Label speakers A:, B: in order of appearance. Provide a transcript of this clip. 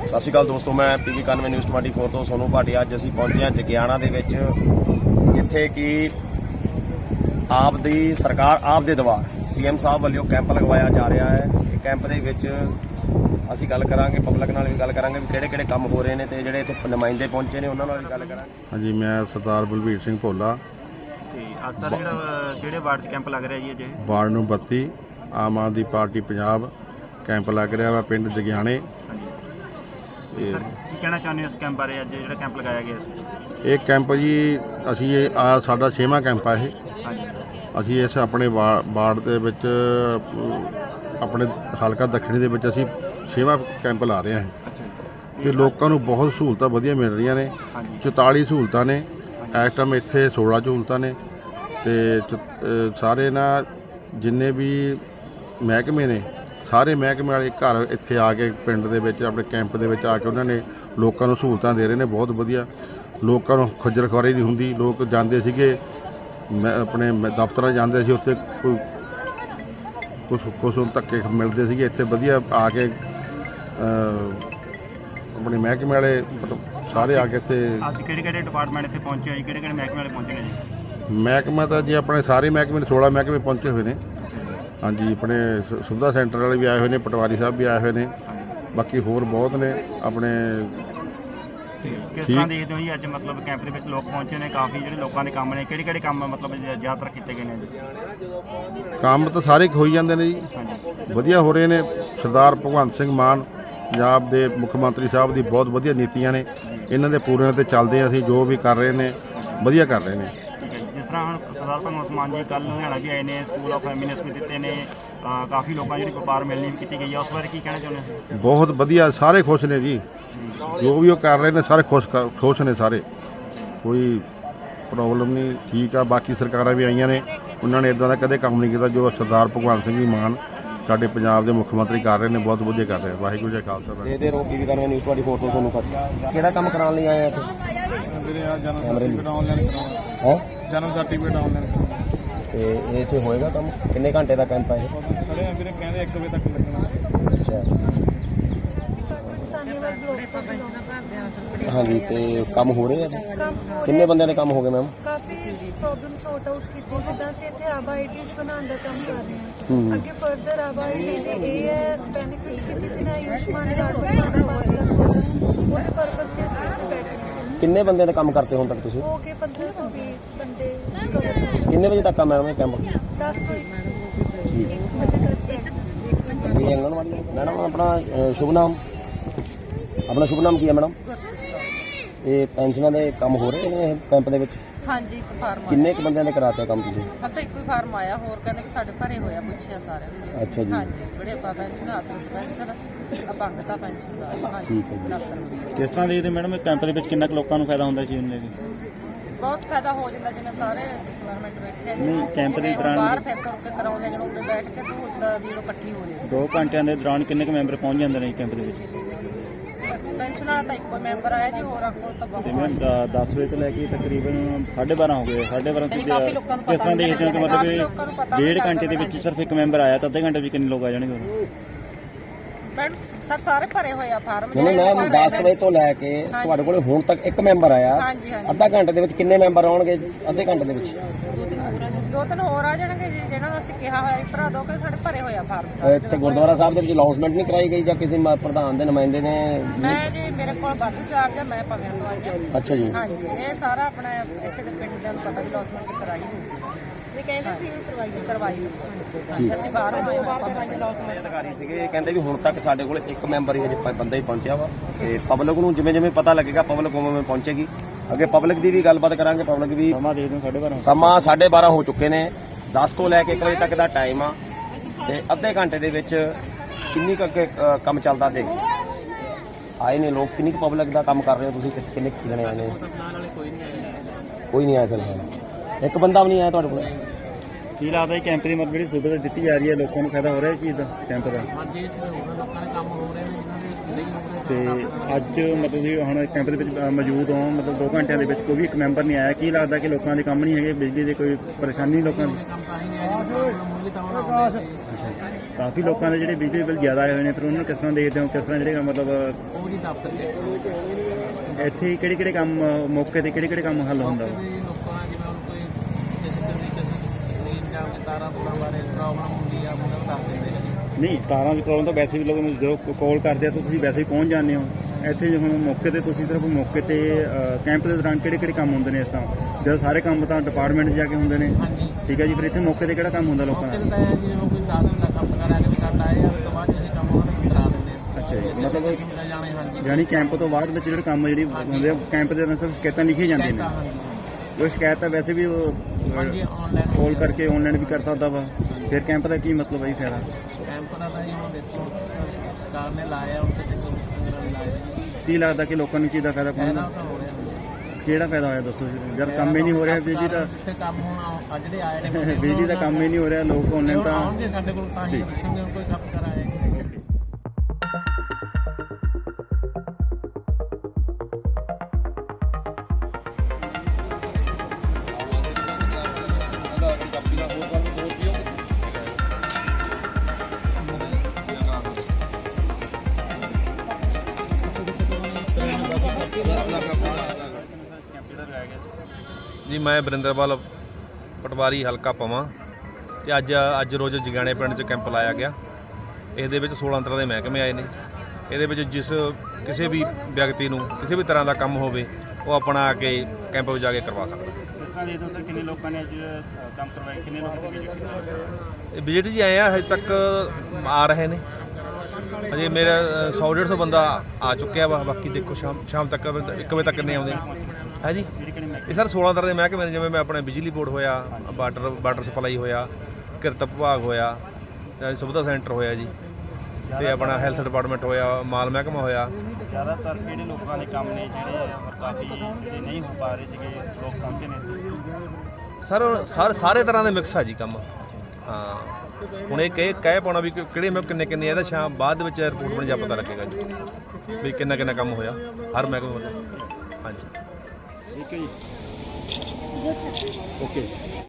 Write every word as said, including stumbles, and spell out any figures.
A: ਸਤਿ ਸ਼੍ਰੀ ਅਕਾਲ ਦੋਸਤੋ, ਮੈਂ ਪੀਵੀ ਇਕਾਨਵੇਂ ਨਿਊਜ਼ ਚੌਵੀ ਤੋਂ ਸੋਨੂੰ ਭਾਟੀਆ। ਅੱਜ ਅਸੀਂ ਪਹੁੰਚੇ ਹਾਂ ਜਗਿਆਣਾ ਦੇ ਵਿੱਚ, ਜਿੱਥੇ ਕਿ ਆਪ ਦੀ ਸਰਕਾਰ ਆਪ ਦੇ ਦਵਾਰ ਸੀਐਮ ਸਾਹਿਬ ਵੱਲੋਂ ਕੈਂਪ ਲਗਵਾਇਆ ਜਾ ਰਿਹਾ ਹੈ। ਇਹ ਕੈਂਪ ਦੇ ਵਿੱਚ ਅਸੀਂ ਗੱਲ ਕਰਾਂਗੇ, ਪਬਲਿਕ ਨਾਲ ਵੀ ਗੱਲ ਕਰਾਂਗੇ ਵੀ ਕਿਹੜੇ ਕਿਹੜੇ ਕੰਮ ਹੋ ਰਹੇ ਨੇ ਤੇ ਜਿਹੜੇ ਇੱਥੇ ਨੁਮਾਇੰਦੇ ਪਹੁੰਚੇ ਨੇ ਉਹਨਾਂ ਨਾਲ ਵੀ ਗੱਲ ਕਰਾਂਗੇ।
B: ਹਾਂਜੀ, ਮੈਂ ਸਰਦਾਰ ਬਲਵੀਰ ਸਿੰਘ ਭੋਲਾ।
C: ਅੱਜ ਸਰ ਜਿਹੜਾ ਕਿਹੜੇ ਵਾਰਡ 'ਚ ਕੈਂਪ ਲੱਗ ਰਿਹਾ ਜੀ? ਅਜੇ
B: ਵਾਰਡ ਨੂੰ ਬੱਤੀ, ਆਮ ਆਦਮੀ ਪਾਰਟੀ ਪੰਜਾਬ ਕੈਂਪ ਲੱਗ ਰਿਹਾ ਵਾ ਪਿੰਡ ਜਗਿਆਣੇ।
C: ਸਰ ਕੀ ਕਹਿਣਾ ਚਾਹੁੰਦੇ ਹੋ ਇਸ ਕੈਂਪ ਬਾਰੇ, ਅੱਜ ਜਿਹੜਾ ਕੈਂਪ ਲਗਾਇਆ ਗਿਆ?
B: ਇਹ ਕੈਂਪ ਜੀ ਅਸੀਂ ਇਹ ਆ ਸਾਡਾ ਛੇਵਾਂ ਕੈਂਪ ਆ ਇਹ।
C: ਹਾਂਜੀ,
B: ਅਸੀਂ ਇਸ ਆਪਣੇ ਵਾਰਡ ਦੇ ਵਿੱਚ ਆਪਣੇ ਹਲਕਾ ਦੱਖਣੀ ਦੇ ਵਿੱਚ ਅਸੀਂ ਛੇਵਾਂ ਕੈਂਪ ਲਾ ਰਹੇ ਹਾਂ ਤੇ ਲੋਕਾਂ ਨੂੰ ਬਹੁਤ ਸਹੂਲਤਾਂ ਵਧੀਆ ਮਿਲ ਰਹੀਆਂ ਨੇ। ਚੁਤਾਲੀ ਸਹੂਲਤਾਂ ਨੇ ਇਸ ਟਾਈਮ ਇੱਥੇ, ਸੋਲਾਂ ਸਹੂਲਤਾਂ ਨੇ ਤੇ ਸਾਰੇ ਨਾ ਜਿੰਨੇ ਵੀ ਮਹਿਕਮੇ ਨੇ ਸਾਰੇ ਮਹਿਕਮੇ ਵਾਲੇ ਘਰ ਇੱਥੇ ਆ ਕੇ ਪਿੰਡ ਦੇ ਵਿੱਚ ਆਪਣੇ ਕੈਂਪ ਦੇ ਵਿੱਚ ਆ ਕੇ ਉਹਨਾਂ ਨੇ ਲੋਕਾਂ ਨੂੰ ਸਹੂਲਤਾਂ ਦੇ ਰਹੇ ਨੇ। ਬਹੁਤ ਵਧੀਆ, ਲੋਕਾਂ ਨੂੰ ਖੱਜਲ ਖੁਆਰੀ ਨਹੀਂ ਹੁੰਦੀ। ਲੋਕ ਜਾਂਦੇ ਸੀਗੇ ਮੈਂ ਆਪਣੇ ਦਫ਼ਤਰਾਂ ਜਾਂਦੇ ਸੀ, ਉੱਥੇ ਕੋਈ ਕੁਛ ਕੁਛ ਧੱਕੇ ਮਿਲਦੇ ਸੀਗੇ। ਇੱਥੇ ਵਧੀਆ ਆ ਕੇ ਆਪਣੇ ਮਹਿਕਮੇ ਵਾਲੇ ਸਾਰੇ ਆ ਕੇ ਇੱਥੇ।
C: ਅੱਜ ਕਿਹੜੇ ਕਿਹੜੇ ਡਿਪਾਰਟਮੈਂਟ ਇੱਥੇ ਪਹੁੰਚੇ ਹੋਏ, ਕਿਹੜੇ ਕਿਹੜੇ ਮਹਿਕਮੇ ਵਾਲੇ ਪਹੁੰਚੇ ਨੇ ਜੀ?
B: ਮਹਿਕਮਾ ਤਾਂ ਜੀ ਆਪਣੇ ਸਾਰੇ ਮਹਿਕਮੇ ਨੇ, ਸੋਲਾਂ ਮਹਿਕਮੇ ਪਹੁੰਚੇ ਹੋਏ ਨੇ। ਹਾਂਜੀ, ਆਪਣੇ ਸੁਵਿਧਾ ਸੈਂਟਰ ਵਾਲੇ ਵੀ ਆਏ ਹੋਏ ਨੇ, ਪਟਵਾਰੀ ਸਾਹਿਬ ਵੀ ਆਏ ਹੋਏ ਨੇ, ਬਾਕੀ ਹੋਰ ਬਹੁਤ ਨੇ ਆਪਣੇ।
C: ਕਿਸ ਤਰ੍ਹਾਂ ਦੇਖਦੇ ਹੋ ਜੀ ਅੱਜ ਮਤਲਬ ਕੈਂਪ ਦੇ ਵਿੱਚ ਲੋਕ ਪਹੁੰਚੇ ਨੇ ਕਾਫੀ, ਜਿਹੜੇ ਲੋਕਾਂ ਦੇ ਕੰਮ ਨੇ ਕਿਹੜੇ ਕਿਹੜੇ ਕੰਮ ਮਤਲਬ ਜ਼ਿਆਦਾਤਰ ਕੀਤੇ ਗਏ ਨੇ ਜੀ?
B: ਕੰਮ ਤਾਂ ਸਾਰੇ ਹੋਈ ਜਾਂਦੇ ਨੇ ਜੀ, ਵਧੀਆ ਹੋ ਰਹੇ ਨੇ। ਸਰਦਾਰ ਭਗਵੰਤ ਸਿੰਘ ਮਾਨ ਪੰਜਾਬ ਦੇ ਮੁੱਖ ਮੰਤਰੀ ਸਾਹਿਬ ਦੀ ਬਹੁਤ ਵਧੀਆ ਨੀਤੀਆਂ ਨੇ, ਇਹਨਾਂ ਦੇ ਪੂਰਿਆਂ ਤੇ ਚੱਲਦੇ ਅਸੀਂ। ਜੋ ਵੀ ਕਰ ਰਹੇ ਨੇ ਵਧੀਆ ਕਰ ਰਹੇ ਨੇ।
C: ਜਿਸ ਤਰ੍ਹਾਂ ਹੁਣ ਸਰਦਾਰ ਭਗਵੰਤ ਮਾਨ ਜੀ ਕੱਲ੍ਹ ਲੁਧਿਆਣਾ ਵੀ ਆਏ ਨੇ, ਸਕੂਲ ਆਫ ਫੈਮਿਨਿਸਟ ਵੀ ਦਿੱਤੇ ਨੇ, ਕਾਫੀ ਲੋਕਾਂ ਜਿਹੜੀ ਵਪਾਰ ਮਿਲਣੀ ਵੀ ਕੀਤੀ ਗਈ ਹੈ, ਉਸ ਬਾਰੇ ਕੀ ਕਹਿਣਾ ਚਾਹੁੰਦੇ ਹੋ?
B: ਬਹੁਤ ਵਧੀਆ, ਸਾਰੇ ਖੁਸ਼ ਨੇ ਜੀ। ਜੋ ਵੀ ਉਹ ਕਰ ਰਹੇ ਨੇ ਸਾਰੇ ਖੁਸ਼ ਖੁਸ਼ ਨੇ ਸਾਰੇ, ਕੋਈ ਪ੍ਰੋਬਲਮ ਨਹੀਂ, ਠੀਕ ਆ। ਬਾਕੀ ਸਰਕਾਰਾਂ ਵੀ ਆਈਆਂ ਨੇ, ਉਹਨਾਂ ਨੇ ਇੱਦਾਂ ਦਾ ਕਦੇ ਕੰਮ ਨਹੀਂ ਕੀਤਾ ਜੋ ਸਰਦਾਰ ਭਗਵੰਤ ਸਿੰਘ ਜੀ ਮਾਨ ਸਾਡੇ ਪੰਜਾਬ ਦੇ ਮੁੱਖ ਮੰਤਰੀ ਕਰ ਰਹੇ ਨੇ। ਬਹੁਤ ਵਧੀਆ ਕਰ ਰਹੇ। ਵਾਹਿਗੁਰੂ ਜੀ ਕਾ ਖਾਲਸਾ।
A: ਦੇ ਦੇ ਰੋ ਪੀਵੀ ਇਕਾਨਵੇਂ ਨਿਊਜ਼ ਚੌਵੀ ਤੋਂ ਸੋਨੂੰ ਭਾਟੀਆ। ਕਿਹੜਾ ਕੰਮ ਕਰਾਉਣ ਲਈ ਆਏ ਆ ਇੱਥੇ?
D: ਵੀਰੇ ਆ ਜਨਮ ਸਰਟੀਫਿਕੇਟ ਆਨਲਾਈਨ ਕਰਾਉਣਾ
A: ਹੈ।
D: ਜਨਮ ਸਰਟੀਫਿਕੇਟ ਆਨਲਾਈਨ ਕਰਾਉਣਾ।
A: ਤੇ ਇਹ 'ਚ ਹੋਏਗਾ ਕੰਮ? ਕਿੰਨੇ ਘੰਟੇ ਦਾ ਕੈਂਪ ਹੈ ਇਹ?
D: ਖੜੇ ਆ ਵੀਰੇ, ਕਹਿੰਦੇ ਇੱਕ ਵਜੇ ਤੱਕ ਲੱਗਣਾ।
A: ਅੱਛਾ, ਹਾਂਜੀ। ਤੇ ਕੰਮ ਹੋ ਰਹੇ ਆ? ਕਿੰਨੇ ਬੰਦਿਆਂ ਦੇ ਕੰਮ ਹੋ ਗਏ ਮੈਮ?
E: ਕਾਫੀ ਪ੍ਰੋਬਲਮ ਸੌਟ ਆਊਟ ਕੀਤੀ, ਜਿੱਦਾਂ ਅਸੀਂ ਇੱਥੇ ਆਬਾ ਆਈਟੀਜ਼ ਬਣਾਉਣ ਦਾ ਕੰਮ ਕਰ ਰਹੇ ਹਾਂ। ਅੱਗੇ ਫਰਦਰ ਆਬਾ ਆਈਟੀ ਦੇ ਇਹ ਹੈ ਬੈਨੀਫਿਟਸ ਕਿ ਕਿਸੇ ਨੇ ਆਯੁਸ਼ਮਾਨ ਕਾਰਡ ਬਣਾਉਣਾ ਪੰਜ ਲੱਖ ਉਹਦੇ ਪਰਪਸ ਤੇ ਅਸੀਂ ਇੱਥੇ ਬੈਠੇ ਹਾਂ।
A: ਕਿੰਨੇ ਬੰਦਿਆਂ ਦੇ ਕੰਮ ਕਰਤੇ ਹੁਣ ਤੱਕ ਤੁਸੀਂ?
E: ਹੋ ਕੇ ਪੰਦਰਾਂ ਤੋਂ ਵੀਹ ਬੰਦੇ cover।
A: ਕਿੰਨੇ ਵਜੇ ਤੱਕ ਆ ਮੈਮ ਇਹ ਕੈਂਪ?
E: ਦਸ ਤੋਂ ਇੱਕ ਵਜੇ ਤੱਕ।
A: ਇਹ ਆਂਗਣਵਾੜੀ ਮੈਡਮ, ਆਪਣਾ ਅ, ਸ਼ੁਭ ਨਾਮ ਆਪਣਾ ਸ਼ੁਭ ਨਾਮ ਕੀ ਹੈ ਮੈਡਮ? ਇਹ ਪੈਨਸ਼ਨਾਂ ਦੇ ਕੰਮ ਹੋ ਰਹੇ ਨੇ ਇਹ ਕੈਂਪ ਦੇ ਵਿੱਚ?
F: ਹਾਂਜੀ, ਇੱਕ ਫਾਰਮ ਆਇਆ।
A: ਕਿੰਨੇ ਕੁ ਬੰਦਿਆਂ ਦੇ ਕਰਾਤੇ ਕੰਮ ਤੁਸੀਂ?
F: ਹਾਂ ਤਾਂ ਇੱਕੋ ਹੀ ਫਾਰਮ ਆਇਆ, ਹੋਰ ਕਹਿੰਦੇ ਕਿ ਸਾਡੇ ਭਰੇ ਹੋਇਆ, ਪੁੱਛਿਆ ਸਾਰਿਆਂ ਨੂੰ।
A: ਅੱਛਾ ਜੀ।
F: ਹਾਂਜੀ, ਬੁਢੇਪਾ ਪੈਨਸ਼ਨ, ਆਸਰੀ ਪੈਨਸ਼ਨ, ਅਪੰਗਤਾ ਪੈਨਸ਼ਨ ਦਾ। ਹਾਂਜੀ,
A: ਠੀਕ ਹੈ ਜੀ।
C: ਕਿਸ ਤਰ੍ਹਾਂ ਦੇਖਦੇ ਮੈਡਮ ਇਹ ਕੈਂਪ ਦੇ ਵਿੱਚ ਕਿੰਨਾ ਕੁ ਲੋਕਾਂ ਨੂੰ ਫਾਇਦਾ ਹੁੰਦਾ ਜੀ? ਇਹਨੇ ਦੀ
F: ਬਹੁਤ ਫਾਇਦਾ ਹੋ ਜਾਂਦਾ, ਜਿਵੇਂ ਸਾਰੇ ਗਵਰਨਮੈਂਟ ਬੈਠੇ
C: ਨਹੀਂ, ਕੈਂਪ ਦੇ ਦੌਰਾਨ
F: ਬਾਹਰ ਫਿਰ ਤੁਰ ਕੇ ਕਰਾਉਂਦੇ, ਜਦੋਂ ਉਰੇ ਬੈਠ ਕੇ ਸਹੂਲਤ ਵੀ ਉਹ ਇਕੱਠੀ ਹੋ ਜਾਂਦੀ।
C: ਦੋ ਘੰਟਿਆਂ ਦੇ ਦੌਰਾਨ ਕਿੰਨੇ ਕੁ ਮੈਂਬਰ ਪਹੁੰਚ ਜਾਂਦੇ ਨੇ ਕੈਂਪ ਦੇ ਵਿੱਚ?
F: ਪੈਨਸ਼ਨ ਵਾਲਾ ਤਾਂ ਇੱਕੋ ਮੈਂਬਰ ਆਇਆ ਜੀ, ਹੋਰ ਕੋਲ ਤਾਂ ਬਹੁਤ।
C: ਤੇ ਮੈਂ ਦਸ ਵਜੇ ਤੋਂ ਲੈ ਕੇ ਤਕਰੀਬਨ ਸਾਢੇ ਬਾਰਾਂ ਹੋ ਗਏ। ਸਾਢੇ ਬਾਰਾਂ ਤੋਂ
F: ਕਾਫੀ ਲੋਕਾਂ ਨੂੰ ਪਤਾ
C: ਕਿਸ ਤਰ੍ਹਾਂ ਦੇਖਦੇ ਹੋ ਕਿ ਮਤਲਬ
F: ਕਾਫੀ ਲੋਕਾਂ ਨੂੰ ਪਤਾ
C: ਕਿ ਡੇਢ ਘੰਟੇ ਦੇ ਵਿੱਚ ਸਿਰਫ ਇੱਕ ਮੈਂਬਰ ਆਇਆ ਤਾਂ ਅੱਧੇ ਘੰਟੇ ਵਿੱਚ ਕਿੰਨੇ ਲੋਕ ਆ ਜਾਣਗੇ?
F: ਮੈਡਮ ਸਰ ਸਾਰੇ ਭਰੇ ਹੋਏ ਆ ਫਾਰਮ।
A: ਨਹੀਂ ਮੈਮ, ਦਸ ਵਜੇ ਤੋਂ ਲੈ ਕੇ ਤੁਹਾਡੇ ਕੋਲ ਹੁਣ ਤੱਕ ਇੱਕ ਮੈਂਬਰ ਆਇਆ।
F: ਹਾਂਜੀ ਹਾਂਜੀ।
A: ਅੱਧਾ ਘੰਟੇ ਦੇ ਵਿੱਚ ਕਿੰਨੇ ਮੈਂਬਰ ਆਉਣਗੇ ਅੱਧੇ ਘੰਟੇ ਦੇ ਵਿੱਚ?
F: ਦੋ ਤਿੰਨ ਹੋਰ ਆ ਜਾਣਗੇ ਜੀ, ਜਿਹਨਾਂ ਨੂੰ ਅਸੀਂ ਕਿਹਾ ਹੋਇਆ ਭਰਾ ਦੋ, ਕਿ ਸਾਡੇ ਭਰੇ ਹੋਇਆ ਫਾਰਮ ਸਾਰੇ।
A: ਇੱਥੇ ਗੁਰਦੁਆਰਾ ਸਾਹਿਬ ਦੇ ਵਿੱਚ ਅਨਾਉਂਸਮੈਂਟ ਨਹੀਂ ਕਰਾਈ ਗਈ ਜਾਂ ਕਿਸੇ ਮ- ਪ੍ਰਧਾਨ ਦੇ ਨੁਮਾਇੰਦੇ ਨੇ?
F: ਮੈਂ ਜੀ ਮੇਰੇ ਕੋਲ ਵਾਧੂ ਚਾਰਜ ਆ, ਮੈਂ ਭਾਵੇਂ ਤੋਂ ਆਈ ਹਾਂ।
A: ਅੱਛਾ ਜੀ।
F: ਹਾਂਜੀ, ਇਹ ਸਾਰਾ ਆਪਣਾ ਇੱਥੇ ਦੇ ਪਿੰਡ ਦੇ ਨੂੰ ਪਤਾ ਵੀ ਅਨਾਉਂਸਮੈਂਟ ਕਰਾਈ ਹੋਈ।
E: ਵੀ ਕਹਿੰਦੇ ਸੀ ਵੀ ਕਰਵਾਈ
F: ਕਰਵਾਈ ਹੋਈ। ਅਸੀਂ ਬਾਹਰੋਂ ਆਏ ਹਾਂ, ਆਪਾਂ ਅਨਾਉਂਸਮੈਂਟ
A: ਅਧਿਕਾਰੀ ਸੀਗੇ, ਕਹਿੰਦੇ ਵੀ ਹੁਣ ਤੱਕ ਸਾਡੇ ਕੋਲ ਇੱਕ ਮੈਂਬਰ ਹੀ ਹਜੇ ਪ- ਬੰਦਾ ਹੀ ਪਹੁੰਚਿਆ ਵਾ ਤੇ ਪਬਲਿਕ ਨੂੰ ਜਿਵੇਂ ਜਿਵੇਂ ਪਤਾ ਲੱਗੇਗਾ ਪਬਲਿਕ ਉਵੇਂ ਉਵੇਂ ਪਹੁੰਚੇਗੀ। ਅੱਗੇ ਪਬਲਿਕ ਦੀ ਵੀ ਗੱਲਬਾਤ ਕਰਾਂਗੇ। ਪਬਲਿਕ ਵੀ
C: ਸਮਾਂ ਦੇ ਦਿਓ ਸਾਢੇ ਬਾਰਾਂ।
A: ਸਮਾਂ ਸਾਢੇ ਬਾਰਾਂ ਹੋ ਚੁੱਕੇ ਨੇ। ਦਸ ਤੋਂ ਲੈ ਕੇ ਇੱਕ ਵਜੇ ਤੱਕ ਦਾ ਟਾਈਮ ਆ ਤੇ ਅੱਧੇ ਘੰਟੇ ਦੇ ਵਿੱਚ ਕਿੰਨੀ ਕੁ ਅੱਗੇ ਅ, ਕੰਮ ਚੱਲਦਾ ਤੇ ਆਏ ਨੇ ਲੋਕ? ਕਿੰਨੀ ਕੁ ਪਬਲਿਕ ਦਾ ਕੰਮ ਕਰ ਰਹੇ ਹੋ ਤੁਸੀਂ? ਕਿ- ਕਿੰਨੇ ਕੁ ਜਣੇ ਆਏ ਨੇ? ਕੋਈ ਨਹੀਂ ਆਇਆ ਫਿਲਹਾਲ, ਇੱਕ ਬੰਦਾ ਵੀ ਨਹੀਂ ਆਇਆ ਤੁਹਾਡੇ ਕੋਲ?
C: ਕੀ ਲੱਗਦਾ ਇਹ ਕੈਂਪ ਦੀ ਮਤਲਬ ਜਿਹੜੀ ਸੁਵਿਧਾ ਦਿੱਤੀ ਜਾ ਰਹੀ ਹੈ, ਲੋਕਾਂ ਨੂੰ ਫਾਇਦਾ ਹੋ ਰਿਹਾ ਇਸ ਚੀਜ਼ ਦਾ ਕੈਂਪ ਦਾ? ਤੇ ਅੱਜ ਮਤਲਬ ਤੁਸੀਂ ਹੁਣ ਕੈਂਪ ਦੇ ਵਿੱਚ ਮੌਜੂਦ ਹੋ, ਮਤਲਬ ਦੋ ਘੰਟਿਆਂ ਦੇ ਵਿੱਚ ਕੋਈ ਵੀ ਇੱਕ ਮੈਂਬਰ ਨਹੀਂ ਆਇਆ। ਕੀ ਲੱਗਦਾ ਕਿ ਲੋਕਾਂ ਦੇ ਕੰਮ ਨਹੀਂ ਹੈਗੇ, ਬਿਜਲੀ ਦੇ ਕੋਈ ਪਰੇਸ਼ਾਨੀ ਲੋਕਾਂ ਦੀ? ਕਾਫੀ ਲੋਕਾਂ ਦੇ ਜਿਹੜੇ ਬਿਜਲੀ ਬਿੱਲ ਜ਼ਿਆਦਾ ਆਏ ਹੋਏ ਨੇ, ਫਿਰ ਉਹਨਾਂ ਨੂੰ ਕਿਸ ਤਰ੍ਹਾਂ ਦੇਖਦੇ ਹੋ, ਕਿਸ ਤਰ੍ਹਾਂ ਜਿਹੜੇ ਮਤਲਬ
G: ਉਹ ਜੀ ਦਫ਼ਤਰ ਚ
C: ਇੱਥੇ ਕਿਹੜੇ ਕਿਹੜੇ ਕੰਮ ਮੌਕੇ ਤੇ ਕਿਹੜੇ ਕਿਹੜੇ ਕੰਮ ਹੱਲ ਹੁੰਦਾ ਵਾ?
G: ਵੀ ਲੋਕਾਂ ਨਾਲ ਜਿਵੇਂ ਹੁਣ ਕੋਈ ਕਿਸੇ ਤਰੀਕੇ ਨੀਂਦ ਜਾਂ ਤਾਰਾਂ ਤੂਰਾਂ ਬਾਰੇ ਪ੍ਰੋਬਲਮ ਹੁੰਦੀ ਆ ਉਹਨਾਂ ਨੂੰ ਦੱਸ ਦਿੰਦੇ ਨੇ ਜੀ।
C: ਨਹੀਂ, ਤਾਰਾਂ ਦੀ ਪ੍ਰੋਬਲਮ ਤਾਂ ਵੈਸੇ ਵੀ ਲੋਕਾਂ ਨੂੰ ਜਦੋਂ ਕਾਲ ਕਰਦੇ ਆ ਤਾਂ ਤੁਸੀਂ ਵੈਸੇ ਹੀ ਪਹੁੰਚ ਜਾਂਦੇ ਹੋ। ਇੱਥੇ ਹੁਣ ਮੌਕੇ ਤੇ ਤੁਸੀਂ ਸਿਰਫ ਮੌਕੇ ਤੇ ਕੈਂਪ ਦੇ ਦੌਰਾਨ ਕਿਹੜੇ ਕਿਹੜੇ ਕੰਮ ਹੁੰਦੇ ਨੇ? ਇਸ ਤਰ੍ਹਾਂ ਜਦੋਂ ਸਾਰੇ ਕੰਮ ਤਾਂ ਡਿਪਾਰਟਮੈਂਟ 'ਚ ਜਾ ਕੇ ਹੁੰਦੇ ਨੇ,
G: ਹਾਂਜੀ
C: ਠੀਕ ਹੈ ਜੀ। ਫਿਰ ਇੱਥੇ ਮੌਕੇ ਤੇ ਕਿਹੜਾ ਕੰਮ ਹੁੰਦਾ ਲੋਕਾਂ
G: ਮੌਕੇ
C: ਦਾ?
G: ਤੇ ਤਾਂ ਇਹ ਜੀ ਜਿਵੇਂ ਕੋਈ ਦਸ ਦਿਨ ਦਾ ਕੰਮ ਕਰਾ ਕੇ ਵੀ ਸਾਡਾ ਆਏ ਆ ਉਸ ਤੋਂ ਬਾਅਦ 'ਚ ਅਸੀਂ ਕੰਮ ਉਹਨਾਂ ਨੂੰ ਕਰਾ ਦਿੰਦੇ ਆ।
C: ਅੱਛਾ ਜੀ,
G: ਮਤਲਬ
C: ਮਤਲਬ
G: ਜਾਣੇ ਹਾਂਜੀ
C: ਯਾਨੀ ਕੈਂਪ ਤੋਂ ਬਾਅਦ ਵਿੱਚ ਜਿਹੜੇ ਕੰਮ ਜਿਹੜੀ ਹੁੰਦੇ ਆ ਕੈਂਪ ਦੇ ਅੰਦਰ ਸ਼ਿਕਾਇਤਾਂ ਲਿਖੀਆਂ ਜਾਂਦੀਆਂ
G: ਸ਼ਿਕਾਇਤਾਂ,
C: ਨੇ।
G: ਹਾਂਜੀ
C: ਉਹ ਸ਼ਿਕਾਇਤ ਤਾਂ ਵੈਸੇ ਵੀ
G: ਹਾਂਜੀ ਆਨਲਾਈਨ
C: ਕਾਲ ਕਰਕੇ ਆਨਲਾਈਨ ਵੀ ਕਰ ਸਕਦਾ ਵਾ। ਫਿਰ ਕੈਂਪ ਦਾ ਕੀ ਮਤਲਬ ਹੈ ਜੀ ਫਾਇਦਾ?
G: ਕੈਂਪ ਦਾ ਤਾਂ ਜੀ ਹੁਣ ਦੇਖੋ ਸਰਕਾਰ ਨੇ ਲਾਇਆ ਹੁਣ ਕਿਸੇ ਨੂੰ ਨਹੀਂ ਲਾਇਆ ਜੀ।
C: ਕੀ ਲੱਗਦਾ ਕਿ ਲੋਕਾਂ ਨੂੰ ਕੀ ਦਾ ਫਾਇਦਾ
G: ਫਾਇਦਾ
C: ਪਹੁੰਚਦਾ?
G: ਤਾਂ ਹੋ ਰਿਹਾ
C: ਕਿਹੜਾ ਫਾਇਦਾ ਹੋਇਆ ਦੱਸੋ ਜੀ? ਜਦ ਕੰਮ ਹੀ ਨਹੀਂ ਹੋ ਰਿਹਾ ਬਿਜਲੀ ਦਾ
G: ਜਿੱਥੇ ਕੰਮ ਹੁਣ ਆ ਜਿਹੜੇ ਆਏ ਨੇ ਬੰਦੇ
C: ਬਿਜਲੀ ਦਾ ਕੰਮ ਹੀ ਨਹੀਂ ਹੋ ਰਿਹਾ, ਲੋਕ ਆਨਲਾਈਨ ਤਾਂ
G: ਆਉਣਗੇ ਸਾਡੇ ਕੋਲ ਤਾਂ ਹੀ ਦੱਸਣਗੇ ਹੁਣ ਕੋਈ ਕੰਮ ਕਰਾਇਆ
H: ਜੀ। ਮੈਂ ਬਰਿੰਦਰਵਾਲ ਪਟਵਾਰੀ ਹਲਕਾ ਪਵਾਂ ਤੇ ਅੱਜ ਅੱਜ ਰੋਜ਼ ਜਗਾਣੇ ਪਿੰਡ 'ਚ ਕੈਂਪ ਲਾਇਆ ਗਿਆ। ਇਸ ਦੇ ਵਿੱਚ ਸੋਲਾਂ ਤਰ੍ਹਾਂ ਦੇ ਮਹਿਕਮੇ ਆਏ ਨੇ। ਇਹਦੇ ਵਿੱਚ ਜਿਸ ਕਿਸੇ ਵੀ ਵਿਅਕਤੀ ਨੂੰ ਕਿਸੇ ਵੀ ਤਰ੍ਹਾਂ ਦਾ ਕੰਮ ਹੋਵੇ ਉਹ ਆਪਣਾ ਆ ਕੇ ਕੈਂਪ ਵਿੱਚ ਜਾ ਕੇ ਕਰਵਾ ਸਕਦਾ।
C: ਕਿੰਨੇ ਲੋਕਾਂ ਨੇ ਅੱਜ ਕੰਮ ਕਰਵਾਏ, ਕਿੰਨੇ ਲੋਕਾਂ ਨੇ ਵਿਜ਼ਿਟ ਕੀਤਾ?
H: ਇਹ ਵਿਜ਼ਿਟ ਜੀ ਆਏ ਆ, ਹਜੇ ਤੱਕ ਆ ਰਹੇ ਨੇ। ਅਜੇ ਮੇਰਾ ਸੌ ਡੇਢ ਸੌ ਬੰਦਾ ਆ ਚੁੱਕਿਆ ਵਾ। ਬਾਕੀ ਦੇਖੋ ਸ਼ਾਮ ਸ਼ਾਮ ਤੱਕ ਇੱਕ ਵਜੇ ਤੱਕ ਕਿੰਨੇ ਆਉਂਦੇ ਹੈ ਜੀ। ਇਹ ਸਰ ਸੋਲਾਂ ਤਰ੍ਹਾਂ ਦੇ ਮਹਿਕਮੇ ਨੇ, ਜਿਵੇਂ ਮੈਂ ਆਪਣੇ ਬਿਜਲੀ ਬੋਰਡ ਹੋਇਆ, ਵਾਟਰ ਵਾਟਰ ਸਪਲਾਈ ਹੋਇਆ, ਕਿਰਤ ਵਿਭਾਗ ਹੋਇਆ, ਸੁਵਿਧਾ ਸੈਂਟਰ ਹੋਇਆ ਜੀ, ਤੇ ਆਪਣਾ ਹੈਲਥ ਡਿਪਾਰਟਮੈਂਟ ਹੋਇਆ, ਮਾਲ ਮਹਿਕਮਾ ਹੋਇਆ।
C: ਜ਼ਿਆਦਾਤਰ ਕਿਹੜੇ ਲੋਕਾਂ ਦੇ ਕੰਮ ਨੇ ਜਿਹੜੇ ਕਾਫੀ ਜਿਹੜੇ ਨਹੀਂ ਹੋ ਪਾ ਰਹੇ ਸੀਗੇ, ਲੋਕ ਪਹੁੰਚੇ ਨੇ ਇੱਥੇ?
H: ਸਰ ਸਾਰੇ ਸਾਰੇ ਤਰ੍ਹਾਂ ਦੇ ਮਿਕਸ ਆ ਜੀ ਕੰਮ। ਹਾਂ, ਹੁਣ ਇਹ ਕਹਿ ਕਹਿ ਪਾਉਣਾ ਵੀ ਕਿ ਕਿਹੜੇ ਮੈਂ ਕਿੰਨੇ ਕਿੰਨੇ ਇਹਦਾ ਸ਼ਾਮ ਬਾਅਦ ਦੇ ਵਿੱਚ ਰਿਪੋਰਟ ਬਣ ਜਾ ਪਤਾ ਲੱਗੇਗਾ ਜੀ ਵੀ ਕਿੰਨਾ ਕਿੰਨਾ ਕੰਮ ਹੋਇਆ ਹਰ ਮਹਿਕਮੇ ਵੱਲੋਂ। ਹਾਂਜੀ
C: ਠੀਕ ਹੈ ਜੀ, ਓਕੇ।